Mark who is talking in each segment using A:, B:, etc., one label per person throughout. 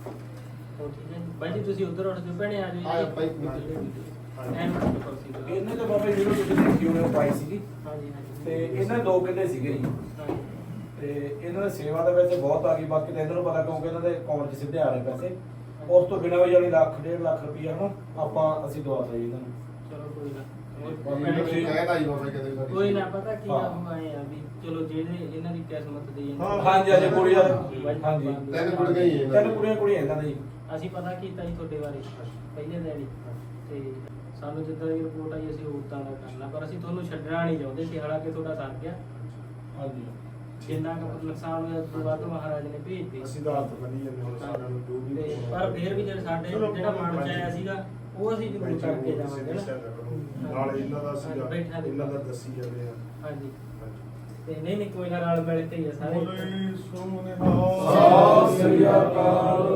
A: ਹੋਰ ਠੀਕ ਹੈ ਬਾਈ ਜੀ, ਤੁਸੀਂ ਉਧਰ ਉੱਠ ਜਾਓ ਭੈਣੇ, ਆ ਜਾਓ
B: ਆ ਬਾਈ
C: ਇਹਨੇ ਤਾਂ ਬਾਬਾ ਜੀ ਨੂੰ ਤੁਸੀਂ ਦੇਖੀ ਹੋਣੀ ਉਹ ਪਾਈ ਸੀਗੀ
A: ਹਾਂਜੀ ਹਾਂਜੀ
C: ਤੇ ਇਹਨਾਂ ਦੇ 2 ਕਿੱਲੇ ਸੀਗੇ ਜੀ।
A: ਹਾਂਜੀ
C: ਤੇ ਇਹਨਾਂ ਦੀ ਸੇਵਾ ਦੇ ਵਿੱਚ ਬਹੁਤ ਆ ਗਈ, ਬਾਕੀ ਤਾਂ ਇਹਨਾਂ ਨੂੰ ਪਤਾ ਕਿਉਂਕਿ ਇਹਨਾਂ ਦੇ ਅਕਾਊਂਟ 'ਚ ਸਿੱਧੇ ਆ ਰਹੇ ਪੈਸੇ। ਉਸ ਤੋਂ ਬਿਨਾਂ ਵੀ ਜਾਨੀ ਲੱਖ 1.5 ਲੱਖ ਰੁਪਈਆ ਹਨਾ ਅਸੀਂ ਦਵਾਤਾ ਜੀ ਇਹਨਾਂ ਨੂੰ।
A: ਚਲੋ ਕੋਈ ਨਾ
B: ਤੁਸੀਂ ਕਹਿਤਾ ਜੀ ਬਾਬਾ ਕਦੇ ਵਾਰੀ
A: ਕੋਈ ਨਾ, ਪਤਾ ਕੀ
C: ਹਾਂ।
A: ਆ ਆਏ ਆ ਵੀ ਚਲੋ ਜਿਹੜੇ ਇਹਨਾਂ ਦੀ ਕਿਸਮਤ ਦੀ
C: ਹਾਂਜੀ ਹਾਂਜੀ ਕੁੜੀ ਦਾ ਹਾਂਜੀ
B: ਤਿੰਨ ਕੁੜੀਆਂ ਹੀ ਹੈ।
C: ਤਿੰਨ ਕੁੜੀਆਂ ਇਹਨਾਂ ਦੀ।
A: ਅਸੀਂ ਪਤਾ ਕੀਤਾ ਜੀ ਤੁਹਾਡੇ ਬਾਰੇ ਪਹਿਲੇ ਦਿਨ ਹੀ, ਤੇ ਸਾਨੂੰ ਜਿੱਦਾਂ ਦੀ ਰਿਪੋਰਟ ਆਈ ਅਸੀਂ ਉਦਾਂ ਦਾ ਕਰਨਾ, ਪਰ ਅਸੀਂ ਤੁਹਾਨੂੰ ਛੱਡਣਾ ਨਹੀਂ ਚਾਹੁੰਦੇ ਸੀ, ਹਾਲਾਂਕਿ ਤੁਹਾਡਾ ਸਰ ਗਿਆ।
C: ਹਾਂਜੀ
A: ਜਿੰਨਾ ਕੁ ਨੁਕਸਾਨ ਹੋਇਆ ਉਸ ਤੋਂ ਵੱਧ ਮਹਾਰਾਜ ਨੇ ਭੇਜ ਦਿੱਤੀ।
D: ਅਸੀਂ ਤਾਂ ਹੱਥ ਬੰਨੀ ਜਾਂਦੇ ਹੁਣ ਸਾਰਿਆਂ ਨੂੰ ਜੋ ਵੀ
A: ਤੇ ਪਰ ਫਿਰ ਵੀ ਜਿਹੜਾ ਮਨ ਚ ਆਇਆ ਸੀਗਾ ਉਹ ਅਸੀਂ ਜ਼ਰੂਰ ਕਰਕੇ ਜਾਵਾਂਗੇ ਨਾ।
D: ਨਾਲ ਇਹਨਾਂ ਦਾ ਸੀਗਾ,
A: ਬੈਠਾ ਦੇ।
D: ਇਹਨਾਂ ਦਾ ਦੱਸੀ ਜਾਂਦੇ ਆ।
A: ਹਾਂਜੀ ਤੇ ਨਹੀਂ ਕੋਈ ਨਾ, ਰਲ ਮਿਲ ਕੇ ਹੀ ਆ ਸਾਰੇ।
D: ਬੋਲੇ
C: ਸਤਿ
D: ਸੋਨਿਹਾਲ
C: ਸ੍ਰੀ ਅਕਾਲ।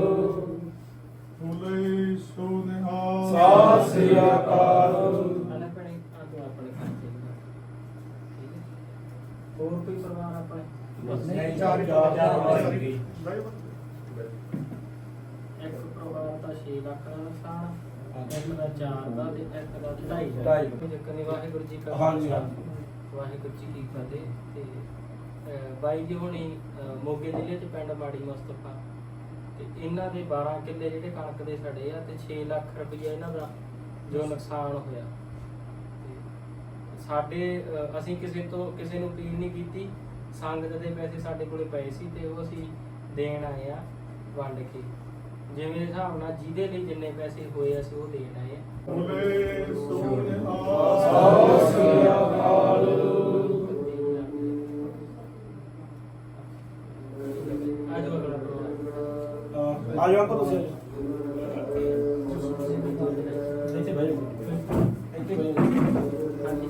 D: ਬੋਲੇ ਸੋਨਿਹਾਲ
C: ਸਤਿ ਸ੍ਰੀ ਅਕਾਲ।
A: ਆਲੇ ਭੈਣੇ, ਆ ਤੂੰ ਆਪਣੇ ਖਰਚੇ ਦਾ। ਠੀਕ ਹੈ। ਹੋਰ ਕੋਈ ਪਰਿਵਾਰ ਆਪਣੇ?
C: ਨਹੀਂ ਚਾਰ ਸੀਗੀ।
A: ਇੱਕ ਪਰਿਵਾਰ ਦਾ 6 ਲੱਖ ਦਾ ਨੁਕਸਾਨ,
C: ਹਾਂਜੀ।
A: ਇੱਕ ਦਾ 4 ਦਾ ਤੇ ਇੱਕ ਦਾ 2.5 ਦਾ।
C: ਢਾਈ।
A: ਕੋਈ ਚੱਕਰ ਨਹੀਂ, ਵਾਹਿਗੁਰੂ ਜੀ ਕਾ
C: ਹਾਂਜੀ,
A: ਖਾਲਸਾ,
C: ਹਾਂਜੀ।
A: ਵਾਹਿਗੁਰੂ ਜੀ ਕੀ ਫਤਿਹ। ਤੇ ਬਾਈ ਜੀ ਹੁਣੀ ਮੋਗੇ ਜ਼ਿਲ੍ਹੇ ਚ ਪਿੰਡ ਮਾੜੀ ਮੁਸਤਫਾ, ਤੇ ਇਹਨਾਂ ਦੇ 12 ਕਿੱਲੇ ਜਿਹੜੇ ਕਣਕ ਦੇ ਸੜੇ ਆ, ਤੇ 6 ਲੱਖ ਰੁਪਈਆ ਇਹਨਾਂ ਦਾ ਜੋ ਨੁਕਸਾਨ ਹੋਇਆ। ਤੇ ਸਾਡੇ ਅਸੀਂ ਕਿਸੇ ਨੂੰ ਅਪੀਲ ਨਹੀਂ ਕੀਤੀ, ਸੰਗਤ ਦੇ ਪੈਸੇ ਸਾਡੇ ਕੋਲੇ ਪਏ ਸੀ ਤੇ ਉਹ ਅਸੀਂ ਦੇਣ ਆਏ ਆ ਵੰਡ ਕੇ, ਜਿਵੇਂ ਹਿਸਾਬ ਨਾਲ ਜਿਹਦੇ ਲਈ ਜਿੰਨੇ ਪੈਸੇ ਹੋਏ ਅਸੀਂ ਉਹ ਦੇਣ ਆਏ ਆ।
D: ਬੋਲੇ
C: ਸਤਿ
D: ਸੋਨਿਹਾਲ
C: ਸ੍ਰੀ ਅਕਾਲ।
A: ਆ ਜਾਓ ਅਗਲਾ ਪ੍ਰੋਗਰਾਮ।
C: ਆ ਜਾਓ ਅੰਕਲ ਤੁਸੀਂ। ਇੱਥੇ ਬਹਿ ਜਾਓ। ਇੱਥੇ ਬਹਿ ਜਾਓ।
A: ਹਾਂਜੀ।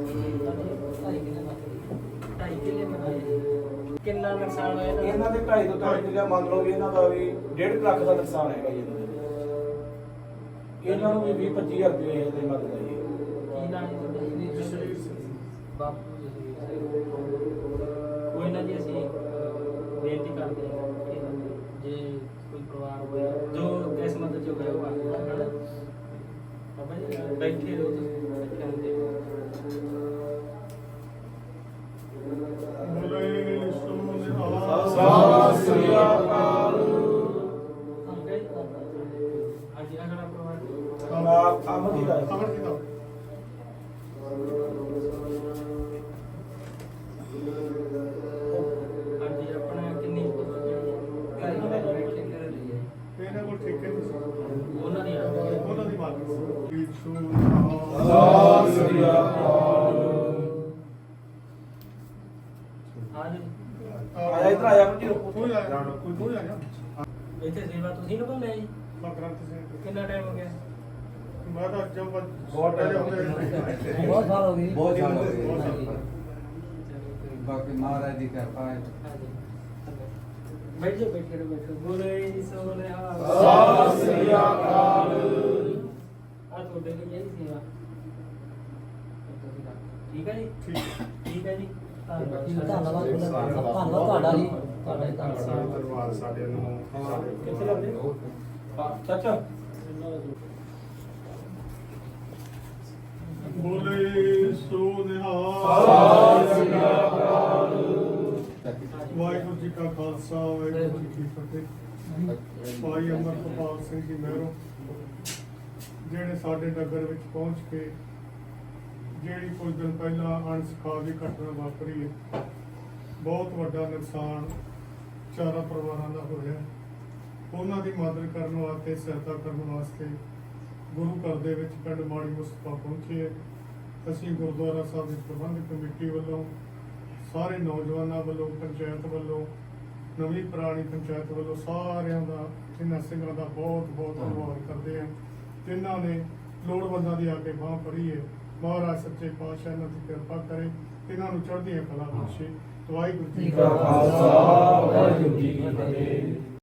A: 2.5 ਕਿੱਲੇ ਬਣਾਏ। ਕਿੰਨਾ ਨੁਕਸਾਨ ਹੋਇਆ
C: ਇਹਨਾਂ ਦੇ 2.5 ਤੋਂ 3 ਕਿੱਲੇ ਮੰਨ ਲਓ ਵੀ ਇਹਨਾਂ ਦਾ ਵੀ 1.5 ਲੱਖ ਦਾ ਨੁਕਸਾਨ ਹੈਗਾ ਜੀ ਇਹਨਾਂ ਦੇ। ਇਹਨਾਂ ਨੂੰ ਵੀ 20-25 ਹਜ਼ਾਰ ਰੁਪਏ ਦੇ ਮਦਦ ਹੈ ਜੀ।
A: ਕੀ ਨਾਮ ਹੈ ਤੁਹਾਡਾ? ਬਾਪੂ ਜਸਵੀਰ ਸਿੰਘ। ਕੋਈ ਨਾ ਜੀ, ਅਸੀਂ ਬੇਨਤੀ ਕਰਦੇ ਹਾਂ ਕਿ ਜੇ ਕੋਈ ਪਰਿਵਾਰ ਹੋਇਆ ਜੋ ਕਿਸਮਤ ਚ ਹੋਇਆ ਉਹ ਆ ਗਿਆ ਬਾਬਾ ਜੀ, ਬੈਠੇ ਰਹੋ ਤੁਸੀਂ, ਬੈਠੇ ਹੁੰਦੇ
D: ਬੋਲੇ ਸੋਨਿਹਾਲ
C: ਸਤਿ ਸ੍ਰੀ ਅਕਾਲ।
A: ਹਾਂਜੀ ਅਗਲਾ ਪਰਿਵਾਰ
C: ਅਮਨ ਦਾ
D: ਅਮਰ ਜੀ ਦਾ
A: ਹਾਂਜੀ ਆਪਣਾ ਕਿੰਨੀ
D: ਇਹਨਾਂ ਕੋਲ ਠੇਕੇ ਤੇ ਸੀ।
A: ਉਹਨਾਂ ਦੀ ਆ
D: ਉਹਨਾਂ ਦੀ ਮਾਲਕ ਸੀ। ਬੋਲੇ
C: ਸਤਿ
D: ਸੋਨਿਹਾਲ
C: ਸ੍ਰੀ ਅਕਾਲ।
A: ਹਾਂਜੀ
C: ਆਇਆ ਇੱਧਰ ਆਇਆ ਅਮਨ ਜੀ।
D: ਕੋਈ ਆਇਆ ਕੋਈ ਆਇਆ
A: ਇੱਥੇ ਸੇਵਾ ਤੁਸੀਂ ਨਿਭਾਉਂਦੇ ਆ ਜੀ?
D: ਗ੍ਰੰਥ ਸਿੰਘ।
A: ਕਿੰਨਾ ਟਾਈਮ ਹੋ ਗਿਆ?
D: ਮੈਂ ਤਾਂ ਜਬ
C: ਬਹੁਤ time ਹੋ ਗਿਆ।
E: ਬਹੁਤ ਸਾਲ ਹੋ ਗਏ
F: ਬਹੁਤ ਸਾਲ ਹੋ ਗਏ।
D: ਬਹੁਤ ਸਾਲ।
A: ਚਲੋ ਕੋਈ ਨੀ।
F: ਬਾਕੀ ਮਹਾਰਾਜ ਦੀ ਕਿਰਪਾ ਹੈ।
A: ਹਾਂਜੀ ਬੈਠ ਜਾਓ, ਬੈਠੇ ਰਹੋ, ਬੈਠੋ। ਬੋਲੇ ਸੋਨਿਹਾਲ
C: ਸਤਿ ਸ੍ਰੀ ਅਕਾਲ।
A: ਆ ਤੁਹਾਡੇ ਲਈ ਇਹ ਸੇਵਾ। ਠੀਕ ਹੈ ਜੀ? ਠੀਕ ਹੈ ਜੀ।
E: ਧੰਨਵਾਦ ਤੁਹਾਡਾ ਜੀ, ਤੁਹਾਡਾ ਜੀ ਧੰਨਵਾਦ।
D: ਧੰਨਵਾਦ ਸਾਡੇ ਨੂੰ
C: ਕਿੱਥੇ ਲੱਗਦੇ? ਚਾਚਾ
D: ਬੋਲੇ ਸੋਨਿਹਾਲ
C: ਸਤਿ ਸ੍ਰੀ ਅਕਾਲ।
D: ਵਾਹਿਗੁਰੂ ਜੀ ਕਾ ਖਾਲਸਾ ਵਾਹਿਗੁਰੂ ਜੀ ਕੀ ਫਤਿਹ। ਭਾਈ ਅਮਰਪਾਲ ਸਿੰਘ ਜੀ ਮਹਿਰੋਂ ਜਿਹੜੇ ਸਾਡੇ ਨਗਰ ਵਿੱਚ ਪਹੁੰਚ ਕੇ ਜਿਹੜੀ ਕੁਝ ਦਿਨ ਪਹਿਲਾਂ ਅਣਸੁਖਾਵੀ ਘਟਨਾ ਵਾਪਰੀ ਹੈ, ਬਹੁਤ ਵੱਡਾ ਨੁਕਸਾਨ ਚਾਰਾਂ ਪਰਿਵਾਰਾਂ ਦਾ ਹੋਇਆ। ਉਹਨਾਂ ਦੀ ਮਦਦ ਕਰਨ ਵਾਸਤੇ, ਸਹਾਇਤਾ ਕਰਨ ਵਾਸਤੇ ਗੁਰੂ ਘਰ ਦੇ ਵਿੱਚ ਪਿੰਡ ਮਾੜੀ ਮੁਸਤਫਾ ਪਹੁੰਚੇ ਹੈ। ਅਸੀਂ ਗੁਰਦੁਆਰਾ ਸਾਹਿਬ ਦੀ ਪ੍ਰਬੰਧਕ ਕਮੇਟੀ ਵੱਲੋਂ, ਸਾਰੇ ਨੌਜਵਾਨਾਂ ਵੱਲੋਂ, ਪੰਚਾਇਤ ਵੱਲੋਂ, ਨਵੀਂ ਪੁਰਾਣੀ ਪੰਚਾਇਤ ਵੱਲੋਂ ਸਾਰਿਆਂ ਦਾ, ਇਹਨਾਂ ਸਿੰਘਾਂ ਦਾ ਬਹੁਤ ਬਹੁਤ ਧੰਨਵਾਦ ਕਰਦੇ ਹਾਂ। ਜਿਨ੍ਹਾਂ ਨੇ ਲੋੜਵੰਦਾਂ ਦੀ ਆ ਕੇ ਬਾਂਹ ਫੜੀ ਹੈ। ਮਹਾਰਾਜ ਸੱਚੇ ਪਾਤਸ਼ਾਹ ਇਹਨਾਂ ਦੀ ਕਿਰਪਾ ਕਰੇ, ਇਹਨਾਂ ਨੂੰ ਚੜ੍ਹਦੀਆਂ ਕਲਾ ਬਖਸ਼ੇ। ਵਾਹਿਗੁਰੂ ਜੀ ਕਾ
C: ਖਾਲਸਾ ਵਾਹਿਗੁਰੂ ਜੀ ਕੀ ਫਤਿਹ।